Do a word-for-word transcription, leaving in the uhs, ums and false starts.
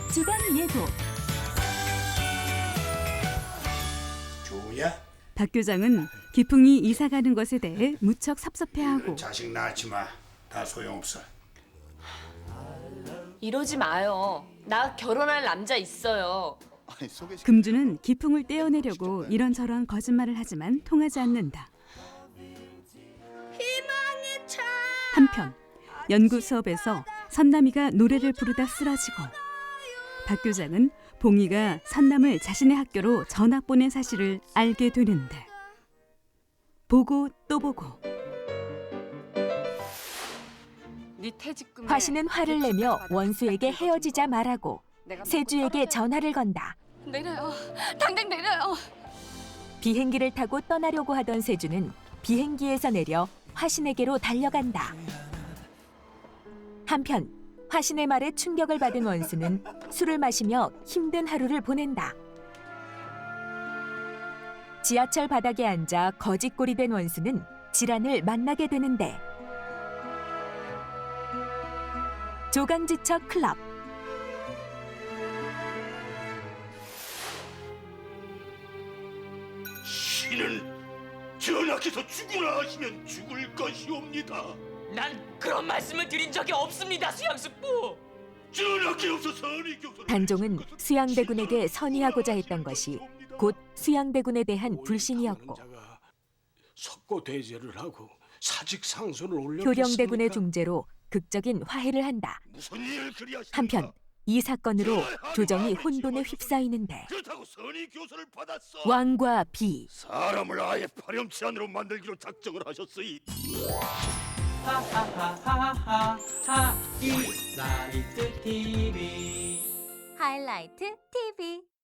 집안 예고. 주야, 박 교장은 기풍이 이사 가는 것에 대해 무척 섭섭해하고 자식 낳지 마. 다 소용없어. 이러지 마요. 나 결혼할 남자 있어요. 금주는 기풍을 떼어내려고 이런저런 거짓말을 하지만 통하지 않는다. 한편 연구 수업에서 선남이가 노래를 부르다 쓰러지고 박 교장은 봉이가 선남을 자신의 학교로 전학 보낸 사실을 알게 되는데 보고 또 보고 네 퇴직금에 화신은 화를 내며 원수에게 헤어지자 말하고 세주에게 전화를 건다. 내려요. 당장 내려요. 비행기를 타고 떠나려고 하던 세주는 비행기에서 내려 화신에게로 달려간다. 한편 화신의 말에 충격을 받은 원수는 술을 마시며 힘든 하루를 보낸다. 지하철 바닥에 앉아 거짓골이 된 원수는 지란을 만나게 되는데 조강지처 클럽. 신은 전하께서 죽으라 하시면 죽을 것이옵니다. 난 그런 말씀을 드린 적이 없습니다, 수양숙부. 전하께서 선의 교서를 단종은 수양대군에게 선의하고자 했던 것이 곧 수양대군에 대한 불신이었고 석고 대제를 하고 사직 상소를 올려 효령대군의 중재로 극적인 화해를 한다. 무슨 일을 그리하십니까? 한편 이 사건으로 조정이 혼돈에 휩싸이는데 그렇다고 선의 교서를 받았어. 왕과 비, 사람을 아예 파렴치 않으로 만들기로 작정을 하셨으니 하하하하하 하이라이트 티비 하이라이트 티비